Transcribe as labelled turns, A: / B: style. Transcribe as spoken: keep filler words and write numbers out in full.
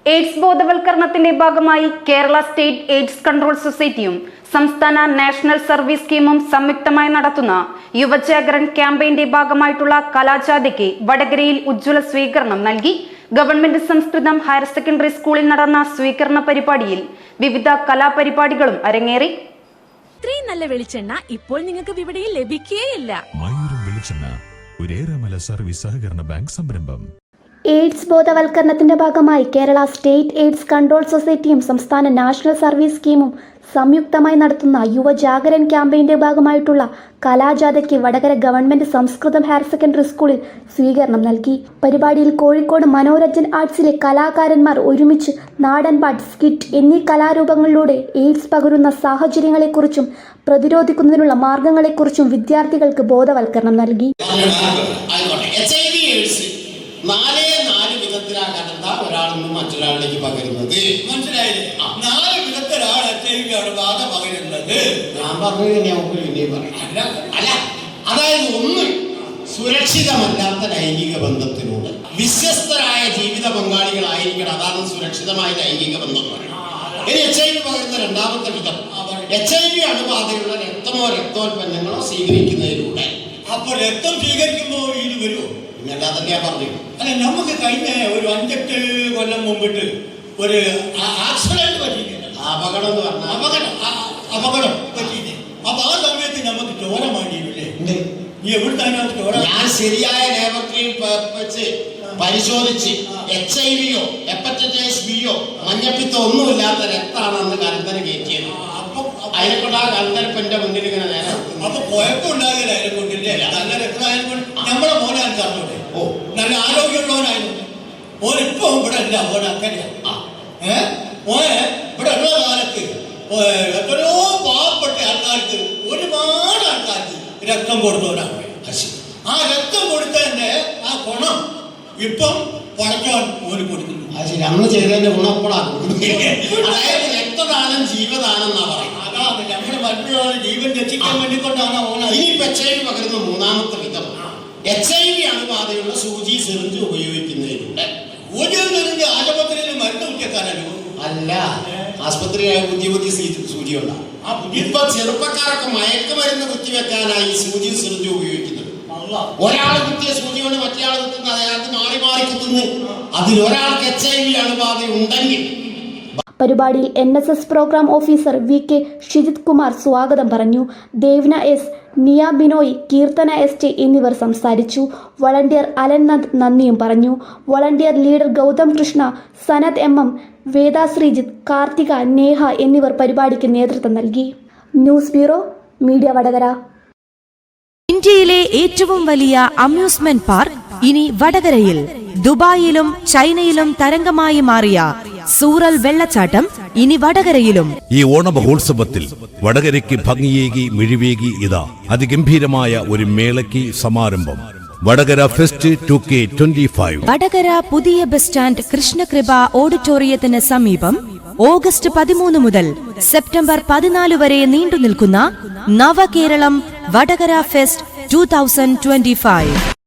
A: AIDS ബോധവൽക്കരണത്തിന്റെ ഭാഗമായി Kerala state AIDS control സൊസൈറ്റിയും സംസ്ഥാന നാഷണൽ സർവീസ് സ്കീമും സംയുക്തമായി നടത്തുന്ന യുവജാഗരൺ ക്യാമ്പയിന്റെ ഭാഗമായിട്ടുള്ള കലാജാഥയ്ക്ക് വടകരയിൽ ഉജ്ജ്വല സ്വീകരണം നൽകി. ഗവൺമെന്റ് സംസ്കൃതം ഹയർ സെക്കൻഡറി സ്കൂളിൽ നടന്ന സ്വീകരണ പരിപാടിയിൽ വിവിധ കലാപരിപാടികളും അരങ്ങേറി.
B: ഇത്രയും നല്ല വെളിച്ചെണ്ണ ഇപ്പോൾ നിങ്ങൾക്ക് വിപണിയിൽ ലഭിക്കുകയില്ല.
C: സർവീസ് സഹകരണ ബാങ്ക് സംരംഭം.
D: എയ്ഡ്സ് ബോധവൽക്കരണത്തിന്റെ ഭാഗമായി കേരള സ്റ്റേറ്റ് എയ്ഡ്സ് കൺട്രോൾ സൊസൈറ്റിയും സംസ്ഥാന നാഷണൽ സർവീസ് സ്കീമും സംയുക്തമായി നടത്തുന്ന യുവജാഗരൺ ക്യാമ്പയിന്റെ ഭാഗമായിട്ടുള്ള കലാജാഥയ്ക്ക് വടകര ഗവൺമെന്റ് സംസ്കൃതം ഹയർ സെക്കൻഡറി സ്കൂളിൽ സ്വീകരണം നൽകി. പരിപാടിയിൽ കോഴിക്കോട് മനോരഞ്ജൻ ആർട്സിലെ കലാകാരന്മാർ ഒരുമിച്ച് നാടൻപാട്ട്, സ്കിറ്റ് എന്നീ കലാരൂപങ്ങളിലൂടെ എയ്ഡ്സ് പകരുന്ന സാഹചര്യങ്ങളെക്കുറിച്ചും പ്രതിരോധിക്കുന്നതിനുള്ള മാർഗങ്ങളെക്കുറിച്ചും വിദ്യാർത്ഥികൾക്ക് ബോധവൽക്കരണം നൽകി.
E: നാലേ നാല് വിധത്തിലാകാത്ത ഒരാളൊന്നും മറ്റൊരാളിലേക്ക് പകരുന്നത് മനസ്സിലായില്ലേ? നാല് വിധത്തിലാണ് എച്ച് ഐ വി അണുബാധ പകരുന്നത്. ഞാൻ പറഞ്ഞു നമുക്ക് ഇനിയും പറയാം. അല്ല, അതായത് ഒന്ന്, സുരക്ഷിതമല്ലാത്ത ലൈംഗിക ബന്ധത്തിലൂടെ വിശ്വസ്തരായ ജീവിത പങ്കാളികളായിരിക്കണം. അതാണ് സുരക്ഷിതമായ ലൈംഗിക ബന്ധം പറയുന്നത്. ഇനി എച്ച് ഐ വി പകരുന്ന രണ്ടാമത്തെ വിധം, എച്ച് ഐ വി അണുബാധയുള്ള രക്തമോ രക്തോൽപ്പന്നങ്ങളോ സ്വീകരിക്കുന്നതിലൂടെ. അപ്പോൾ രക്തം സ്വീകരിക്കുമ്പോൾ ഇത് വരുമോ? അല്ലാതെ പറഞ്ഞു. അല്ല, നമുക്ക് കഴിഞ്ഞ ഒരു അഞ്ചെട്ട് കൊല്ലം മുമ്പിട്ട് ഒരു ആക്സിഡന്റ് പറ്റിയിട്ടുണ്ട്. അപകടം എന്ന് പറഞ്ഞാൽ അപകടം അപകടം പറ്റിയില്ലേ? അപ്പൊ ആ സമയത്ത് നമുക്ക് ചോര മാറ്റിയില്ലേ? നീ എവിടുത്താണ് ചോര? ഞാൻ ശരിയായ ലേബറട്ടറിയിൽ വെച്ച് പരിശോധിച്ച് എച്ച് ഐ വിയോ ഹെപ്പറ്റൈറ്റിസ് ബിയോ മഞ്ഞപ്പിത്തോ ഒന്നുമില്ലാത്ത രക്തമാണ് അന്ന് കലന്തര കയറ്റിയത്. അപ്പൊ അതിനെക്കൊണ്ട് ആ കലന്തരപ്പന്റെ മുന്നിൽ ഇങ്ങനെ നേരെ അപ്പൊ കുഴപ്പമുണ്ടാകില്ല. അതിനെ കൊണ്ടില്ലേ നല്ല രക്തമായതുകൊണ്ട് നമ്മളെ മോനെ അറിഞ്ഞൂടെ? ഓ, നല്ല ആരോഗ്യമുള്ളവനായിരുന്നു. മോൻ ഇപ്പൊ ഇവിടെ അല്ല, മോൻ അങ്ങനെയാ. ഏഹ് മോനെ ഇവിടെ ഉള്ള കാലത്ത് എത്രയോ പാവപ്പെട്ട ആൾക്കാർക്ക്, ഒരുപാട് ആൾക്കാർക്ക് രക്തം കൊടുത്തവരാണ്. ആ രക്തം കൊടുത്തതിന്റെ ആ ഗുണം ഇപ്പം പടക്കാൻ മോന് കൊടുക്കുന്നു. അത് ശരി, അന്ന് ചെയ്തതിന്റെ ഗുണപ്പെടാണ്. അതായത് രക്തദാനം ജീവദാനം എന്നാ പറയുന്നത്. അതാണ് നമ്മുടെ മറ്റുള്ളവരുടെ ജീവൻ രക്ഷിക്കാൻ വേണ്ടിക്കൊണ്ടാണ് ഓണം. ഇനി എച്ച് ഐ വി പകരുന്ന മൂന്നാമത്തെ വിധം, എച്ച് ഐ വി അണുബാധയുള്ള സൂചി സിറിഞ്ച് ഉപയോഗിക്കുന്നതിലൂടെ. സൂചി സിറിഞ്ച് ആശുപത്രിയിൽ മരുന്ന് കുത്തിവെക്കാനല്ലോ? അല്ല, ആശുപത്രിയായ പുതിയ പുതിയ സൂചിയുള്ള ആ ഇപ്പൊ ചെറുപ്പക്കാരൊക്കെ മയക്കുമരുന്ന് കുത്തിവെക്കാനായി സൂചി സിറിഞ്ച് ഉപയോഗിക്കുന്നത്. ഒരാൾ കുത്തിയ സൂചി കൊണ്ട് മറ്റേ കുത്തുന്ന അയാൾക്ക് മാറി മാറി കുത്തുന്നു. അതിലൊരാൾക്ക് എച്ച് ഐ വി അണുബാധ ഉണ്ടെങ്കിൽ.
D: പരിപാടിയിൽ N S S programme officer V K Shijith Kumar സ്വാഗതം പറഞ്ഞു. ദേവ്ന എസ്, നിയ ബിനോയ്, കീർത്തന എസ് ടി എന്നിവർ സംസാരിച്ചു. വളണ്ടിയർ അലൻനന്ദ് നന്ദിയും പറഞ്ഞു. Volunteer leader Gautham Krishna, Sanath M M, Veda Sreejith, Karthika, Neha എന്നിവർ പരിപാടിക്ക് നേതൃത്വം നൽകി. News bureau, media Vadakara.
B: ഇന്ത്യയിലെ ഏറ്റവും വലിയ അമ്യൂസ്മെന്റ് പാർക്ക് ഇനി വടകരയിൽ. ദുബായിലും ചൈനയിലും തരംഗമായി മാറിയ സൂറൽ വെള്ളച്ചാട്ടം ഇനി വടകരയിലും.
C: ഈ ഓണമഹോത്സവത്തിൽ വടകരയ്ക്ക് ഭംഗിയേകി മിഴിവേകി ഇതാ അതിഗംഭീരമായ ഒരു മേളയ്ക്ക് സമാരംഭം. Vadakara fest two K twenty five.
B: Vadakara പുതിയ ബസ് സ്റ്റാൻഡ് കൃഷ്ണകൃപ ഓഡിറ്റോറിയത്തിന് സമീപം ഓഗസ്റ്റ് പതിമൂന്ന് മുതൽ സെപ്റ്റംബർ പതിനാല് വരെ നീണ്ടു നിൽക്കുന്ന Navakeralam Vadakara fest two thousand twenty five.